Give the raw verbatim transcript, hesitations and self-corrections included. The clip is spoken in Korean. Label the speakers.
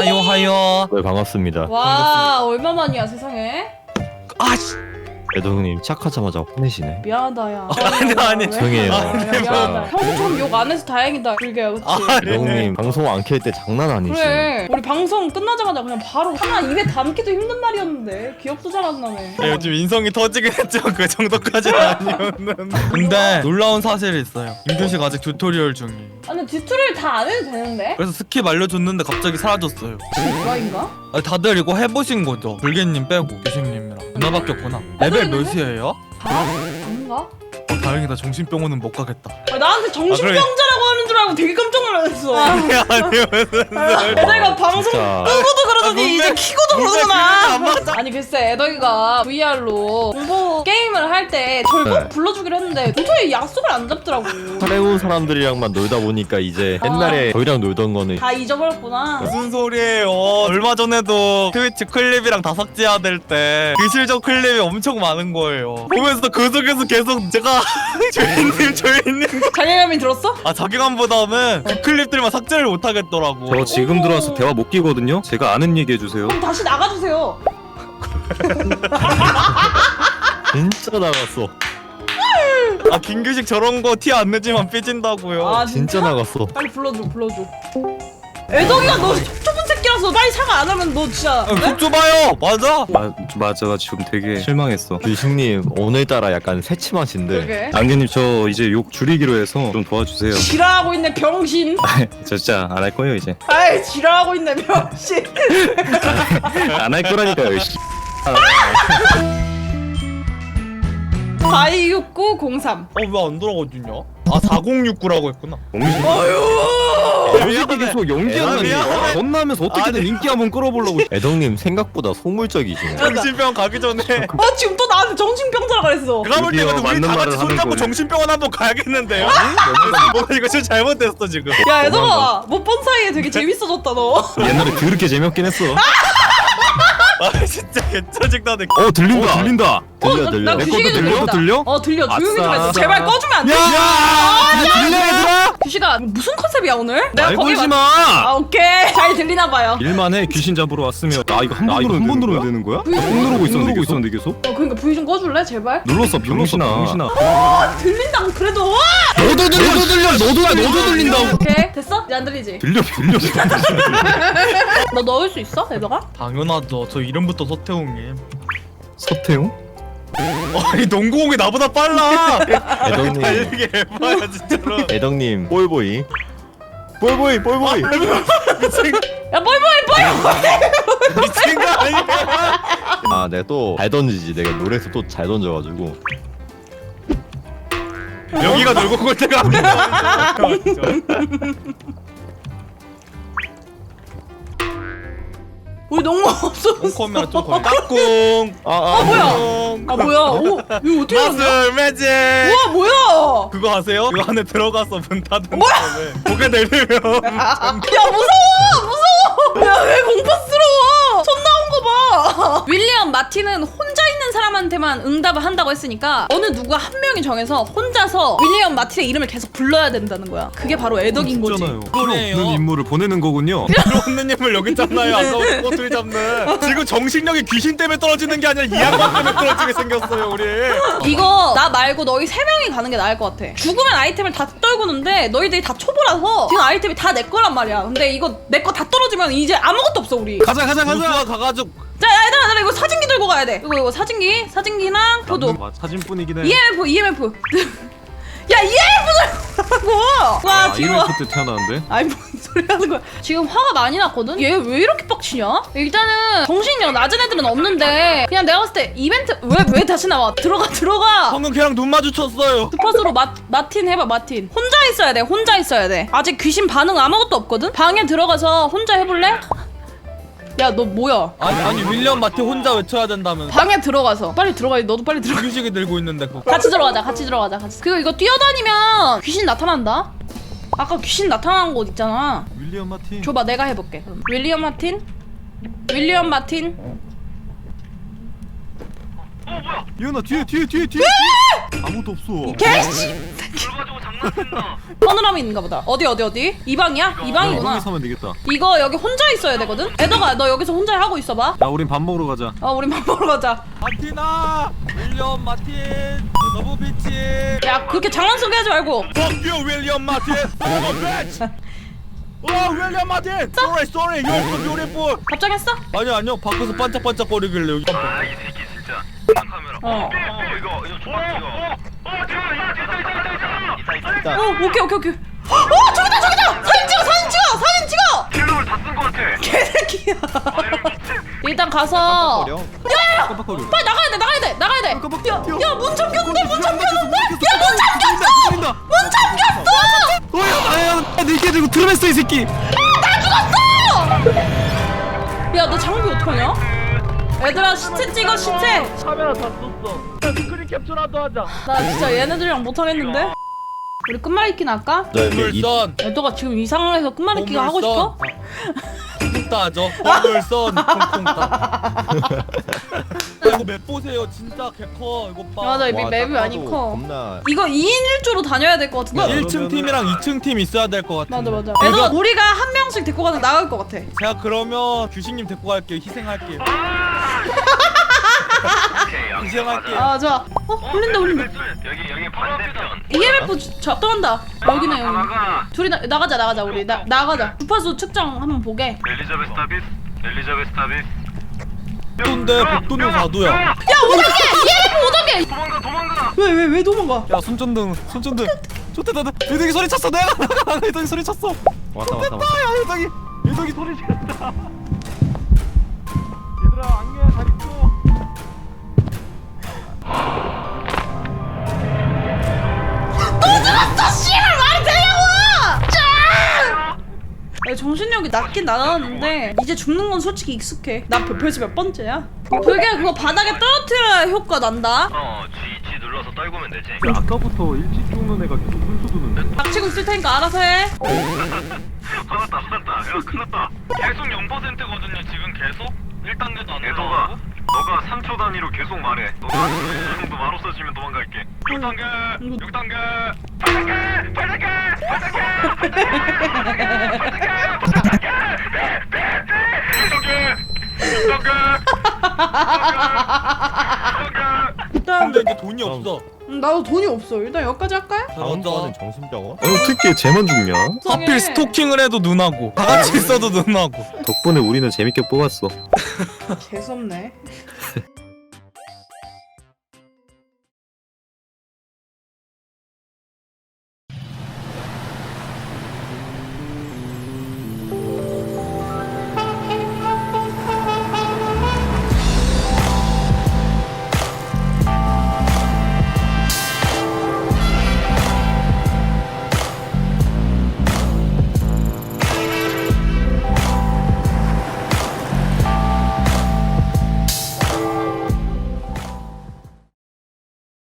Speaker 1: 하요 하요.
Speaker 2: 네 반갑습니다.
Speaker 3: 와 얼마만이야 세상에.
Speaker 1: 아씨.
Speaker 2: 애동님 착하자마자 혼내시네.
Speaker 3: 미안하다 야.
Speaker 1: 아니 아니.
Speaker 2: 조용해요.
Speaker 3: 야, 미안하다. 평소처럼 욕 안 해서 다행이다. 불개야 그치?
Speaker 1: 아, 네.
Speaker 2: 애동님 방송 안 켤 때 장난 아니시.
Speaker 3: 그래 우리 방송 끝나자마자 그냥 바로 하나 입에 담기도 힘든 말이었는데 기억도 잘 안 나네.
Speaker 1: 네, 요즘 인성이 터지긴 했죠. 그 정도까지는 아니었는데. 근데 놀라운 사실이 있어요. 임규식 아직 튜토리얼 중이에요.
Speaker 3: 아 근데 튜토리얼 다 안 해도 되는데?
Speaker 1: 그래서 스킵 알려줬는데 갑자기 사라졌어요.
Speaker 3: 뭐인가?
Speaker 1: 아니, 다들 이거 해보신 거죠? 불개님 빼고 규식님이랑 누나 바뀌었구나. 레벨 몇이에요?
Speaker 3: 다? 아닌가?
Speaker 1: 어, 다행이다. 정신병원은 못 가겠다.
Speaker 3: 아, 나한테 정신병자라고 하는 줄 알고 되게 깜짝 놀랐어.
Speaker 1: 아니 아니 무슨
Speaker 3: 애들가 방송
Speaker 2: 진짜.
Speaker 3: 끄고도 그러더니
Speaker 1: 아,
Speaker 3: 이제
Speaker 1: 뭔데?
Speaker 3: 키고도
Speaker 1: 뭔데
Speaker 3: 그러구나.
Speaker 1: 그게 안 맞아.
Speaker 3: 아니 글쎄 애덕이가 브이알로 공포 게임을 할 때 저를 꼭
Speaker 2: 네.
Speaker 3: 불러주기로 했는데 도저히 약속을 안 잡더라고.
Speaker 2: 사레온 사람들이랑만 놀다 보니까 이제 옛날에 저희랑 놀던 거는
Speaker 3: 다 잊어버렸구나.
Speaker 1: 무슨 소리예요? 얼마 전에도 트위치 클립이랑 다 삭제해야 될 때 그 실적 클립이 엄청 많은 거예요. 보면서 그 속에서 계속 제가 조이님 조이님
Speaker 3: 자괴감이 들었어?
Speaker 1: 아 자기감보다는 그 클립들만 삭제를 못 하겠더라고.
Speaker 4: 저 지금
Speaker 3: 오.
Speaker 4: 들어와서 대화 못 끼거든요. 제가 아는 얘기 해주세요.
Speaker 3: 그럼 다시 나가주세요.
Speaker 2: 진짜 나갔어.
Speaker 1: 아 김규식 저런 거 티 안 내지만 삐진다고요.
Speaker 3: 아
Speaker 2: 진짜 나갔어.
Speaker 3: 빨리 불러줘 불러줘. 애덕이가 너 좁은 새끼라서 빨리 사과 안 하면 너 진짜
Speaker 1: 아, 속 좁아요. 맞아.
Speaker 4: 마, 맞아 지금 되게 실망했어.
Speaker 2: 규식님 오늘따라 약간 새침하신데.
Speaker 3: 그러게.
Speaker 4: 안개님 저 이제 욕 줄이기로 해서 좀 도와주세요.
Speaker 3: 지랄하고 있네 병신.
Speaker 4: 저 진짜 안 할 거예요 이제.
Speaker 3: 아이 지랄하고 있네 병신.
Speaker 4: 안 할 거라니까요. 씨.
Speaker 3: 사이육구공삼.
Speaker 1: 어 왜 안 돌아가지냐? 아 사공육구라고 했구나.
Speaker 4: 왜 계속 연기하는
Speaker 1: 미안해.
Speaker 4: 거야? 전나면서 어떻게든
Speaker 1: 아니.
Speaker 4: 인기 한번 끌어보려고.
Speaker 2: 애동님 생각보다 소물적이시네.
Speaker 1: 정신병원 가기 전에
Speaker 3: 어 지금 또 나한테 정신병자라 그랬어.
Speaker 1: 내가 볼
Speaker 4: 드디어
Speaker 1: 때는 우리
Speaker 4: 맞는
Speaker 1: 다
Speaker 4: 말을
Speaker 1: 같이
Speaker 4: 하는
Speaker 1: 손잡고
Speaker 4: 거예요.
Speaker 1: 정신병원 한번 가야겠는데요? 뭐 이거 진짜 잘못됐어 지금.
Speaker 3: 야 애덕아 못 본 사이에 되게 재밌어졌다 너.
Speaker 4: 옛날에 그렇게 재미없긴 했어.
Speaker 1: 아 진짜 개짜증나네.
Speaker 4: 어 들린다. 들린다.
Speaker 2: 들려
Speaker 3: 어,
Speaker 2: 들려.
Speaker 3: 나
Speaker 4: 내
Speaker 3: 규식이도
Speaker 4: 것도 들려?
Speaker 3: 들린다.
Speaker 4: 들려?
Speaker 3: 어 들려 조용히 좀
Speaker 4: 아싸.
Speaker 3: 해줘. 제발 꺼주면 안 돼?
Speaker 4: 들려 얘들아?
Speaker 3: 규식아 무슨 컨셉이야 오늘? 내가
Speaker 4: 말
Speaker 3: 거기
Speaker 4: 걸지
Speaker 3: 마-
Speaker 4: 마.
Speaker 3: 아 오케이 잘 들리나 봐요.
Speaker 4: 일만해 귀신 잡으러 왔으면 나 이거 한 번 누르면 한 번 누르면 되는 거야? 꼭 누르고 있었는데 있었는데 계속
Speaker 3: 어 그러니까 부위 좀 꺼줄래 제발?
Speaker 4: 눌렀어 병신아. 병신아.
Speaker 3: 아 들린다고 그래도 와!
Speaker 4: 너도 들려. 너도 들려. 너도 너도 들린다고.
Speaker 3: 오케이 됐어? 이제 안 들리지?
Speaker 4: 들려 들려.
Speaker 3: 너 넣을 수 있어 애덕아?
Speaker 1: 당연하죠. 저 이름부터 서태웅님.
Speaker 4: 서태웅?
Speaker 1: 아니 농구공이 나보다 빨라.
Speaker 2: 애덕님.
Speaker 1: 달리기 해봐야 진짜로.
Speaker 2: 애덕님 볼보이. 볼보이 볼보이.
Speaker 1: 미친
Speaker 3: 야 뻘뻘 뻘!
Speaker 1: 미친 거 아니야?
Speaker 2: 아 내가 또 잘 던지지. 내가 노래에서 또 잘 던져가지고.
Speaker 1: 여기가 놀고 올 때가 아니야.
Speaker 3: 우리 농구 없어.
Speaker 1: 홈커면 좀 거의 깍꿍.
Speaker 2: 아아
Speaker 3: 뭐야?
Speaker 1: 깍꿍.
Speaker 3: 아 뭐야? 오 이거 어떻게 알았어?
Speaker 1: 마술 매직.
Speaker 3: 우와 뭐야?
Speaker 1: 그거 아세요? 그 안에 들어가서 문 닫은 다음에 고개 내리면
Speaker 3: 야 무서워 무서워. 야 왜 공포스러워? 손 나온 거 봐. 윌리엄 마틴은 혼자 있는 사람한테만 응답을 한다고 했으니까 어느 누구 한 명이 정해서 혼자서 윌리엄 마틴의 이름을 계속 불러야 된다는 거야. 그게 바로 애덕인 거지.
Speaker 4: 있잖아요.
Speaker 1: 그러네요.
Speaker 4: 없는 인물을 보내는 거군요.
Speaker 1: 없는 님을 여기 있잖아요. 아까 꼬투리 잡는. 지금 정신력이 귀신 때문에 떨어지는 게 아니라 이 양반 때문에 떨어지게 생겼어요 우리.
Speaker 3: 이거 나 말고 너희 세 명이 가는 게 나을 것 같아. 죽으면 아이템을 다 떨구는데 너희들이 다 초보라서 지금 아이템이 다 내 거란 말이야. 근데 이거 내 거 다 떨어지면 이제 아무것도 없어 우리.
Speaker 4: 가자 가자
Speaker 1: 우수가 가가지고
Speaker 3: 자 얘들아 얘들아 이거 사진기 들고 가야 돼. 이거 이거 사진기 사진기랑 포도.
Speaker 4: 사진뿐이긴 해.
Speaker 3: 이엠에프 이엠에프. 야 이엠에프 들고 가라고. 와
Speaker 4: 아,
Speaker 3: 지금.
Speaker 4: 이벤트 때 태어나는데?
Speaker 3: 아니 뭔 소리 하는 거야. 지금 화가 많이 났거든? 얘 왜 이렇게 빡치냐? 일단은 정신력 낮은 애들은 없는데 그냥 내가 봤을 때 이벤트 왜 왜 다시 나와? 들어가 들어가.
Speaker 1: 방금 걔랑 눈 마주쳤어요.
Speaker 3: 스팟으로 마, 마틴 해봐 마틴. 혼자 있어야 돼 혼자 있어야 돼. 아직 귀신 반응 아무것도 없거든? 방에 들어가서 혼자 해볼래? 야 너 뭐야?
Speaker 1: 아니 아니 윌리엄 마티 혼자 외쳐야 된다면.
Speaker 3: 방에 들어가서 빨리 들어가. 너도 빨리 들어가.
Speaker 1: 규식이 들고 있는데 그거.
Speaker 3: 같이 들어가자 같이 들어가자 같이. 그리고 이거 뛰어다니면 귀신 나타난다. 아까 귀신 나타난 곳 있잖아.
Speaker 4: 윌리엄 마틴.
Speaker 3: 줘봐 내가 해볼게. 그럼. 윌리엄 마틴 윌리엄 마틴.
Speaker 4: 이현아 뒤에 뒤에 뒤에 뒤에. 아무도 없어.
Speaker 3: 개씨. 서늘함이 있는가 보다. 어디 어디 어디? 이 방이야? 이 방이구나.
Speaker 4: 여기서 하면 되겠다.
Speaker 3: 이거 여기 혼자 있어야 되거든? 애더가 너 여기서 혼자 하고 있어봐.
Speaker 4: 야 우린 밥 먹으러 가자.
Speaker 3: 어 우리 밥 먹으러 가자.
Speaker 1: 마티나 윌리엄 마틴 너무 비치.
Speaker 3: 야 그렇게 장난스럽게 하지 말고.
Speaker 1: Fuck you 윌리엄 마틴. Oh bitch. 와 윌리엄 마틴. Sorry sorry you're so beautiful.
Speaker 3: 답장했어?
Speaker 1: 아니 아니요 밖에서 반짝반짝거리길래 여기.
Speaker 5: 아 이 새끼 진짜 카메라.
Speaker 3: 어.
Speaker 5: 어 이거 이거 조각 찍어. 어 저기 있다 있다 있다 있다 있다 있다.
Speaker 3: 어 오케이 오케이 오케이. 어 저기다 저기다. 사진 찍어 사진 찍어 사진 찍어.
Speaker 5: 킬러를 다 쓴 거 같아.
Speaker 3: 개새끼야.
Speaker 5: 아 이거 미친.
Speaker 3: 일단 가서.
Speaker 2: 어려?
Speaker 4: 깜빡거려.
Speaker 3: 빨리 나가야 돼 나가야 돼 나가야 돼.
Speaker 4: 깜빡.
Speaker 3: 야문 잠겼는데 문 잠겼는데. 야문
Speaker 4: 잠겼어.
Speaker 3: 잠겼어. 문 잠겼어.
Speaker 4: 어야 나야 내게 들고 드럼했어 이 새끼.
Speaker 3: 야 너 장비 어떡하냐? 얘들아 시체 찍어 시체.
Speaker 1: 카메라 다 썼어. 스크린 캡처라도 하자.
Speaker 3: 나 진짜 얘네들이랑 못하겠는데? 우리 끝말잇기나 할까?
Speaker 1: 보물선.
Speaker 3: 애도가 지금 이 상황에서 끝말잇기가 하고 싶어?
Speaker 1: 쿵따 하죠. 보물선 쿵쿵따. 이거 맵 보세요. 진짜 개커 이거 봐.
Speaker 3: 맞아 이
Speaker 2: 와,
Speaker 3: 맵이
Speaker 2: 딱
Speaker 3: 많이
Speaker 2: 봐도
Speaker 3: 커.
Speaker 2: 겁나.
Speaker 3: 이거 이 인 일 조로 다녀야 될 것 같은데?
Speaker 1: 일 층 팀이랑 이 층 팀 있어야 될 것 같은데.
Speaker 3: 맞아 맞아. 애도
Speaker 1: 제가,
Speaker 3: 우리가 한 명씩 데리고 가는 게 나을 것 같아.
Speaker 1: 제가 그러면 규식님 데리고 갈게요. 희생할게요.
Speaker 5: 오케이 양념
Speaker 1: 희생할게요.
Speaker 5: 가자.
Speaker 3: 아 좋아. 어 울린다 울린다.
Speaker 5: 여기 여기 반대편.
Speaker 3: 이엠에프 작동한다. 여기네 여기.
Speaker 5: 나가.
Speaker 3: 둘이 나, 나가자 나가자 우리 나 나가자. 주파수 측정 한번 보게.
Speaker 5: 엘리자베스 타비스. 엘리자베스 타비스.
Speaker 1: 근데 복도는 사도야.
Speaker 3: 야 오 단계 이엠에프 오 단계.
Speaker 5: 도망가 도망가.
Speaker 3: 왜 왜 왜 도망가?
Speaker 1: 야 손전등 손전등. 좋대다. 유덕이 소리 쳤어. 내가 나가. 유덕이 소리 쳤어.
Speaker 2: 왔다 왔다 왔다.
Speaker 1: 야 유덕이 유덕이 소리 지른다. 얘들아 안녕 잘 있어.
Speaker 3: 너 씨발 말이 되냐고! 짜! 야, 정신력이 낮긴 낮았는데 이제 죽는 건 솔직히 익숙해. 나 별- 벌써 몇 번째야? 그게 그거 바닥에 떨어뜨려야 효과 난다.
Speaker 5: 어 G G 눌러서 떨구면 되지.
Speaker 4: 아까부터 일찍 죽는 애가 계속 훈수 두는데.
Speaker 3: 닥치고 있을 테니까 알아서 해.
Speaker 5: 화났다 화났다. 야 큰났다. 계속 영 퍼센트거든요 지금 계속. 일 단계도 안 올라가고. 너가 삼 초 단위로 계속 말해. 너가 이 정도 말 없어지면 도망갈게. 육 단계, 육 단계, 팔 단계, 팔 단계, 팔 단계, 팔 단계, 팔 단계, 팔 단계, 육 단계, 육 단계,
Speaker 3: 일단
Speaker 1: 근데 이제 돈이 없어.
Speaker 3: 음, 나도 돈이 없어. 일단 여기까지 할까요?
Speaker 2: 다음
Speaker 1: 맞아.
Speaker 2: 거는 정신병원?
Speaker 4: 어 어떻게 쟤만 죽냐?
Speaker 1: 하필 스토킹을 해도 눈하고 다 같이 있어도 눈하고.
Speaker 4: 덕분에 우리는 재밌게 뽑았어.
Speaker 3: 재수없네.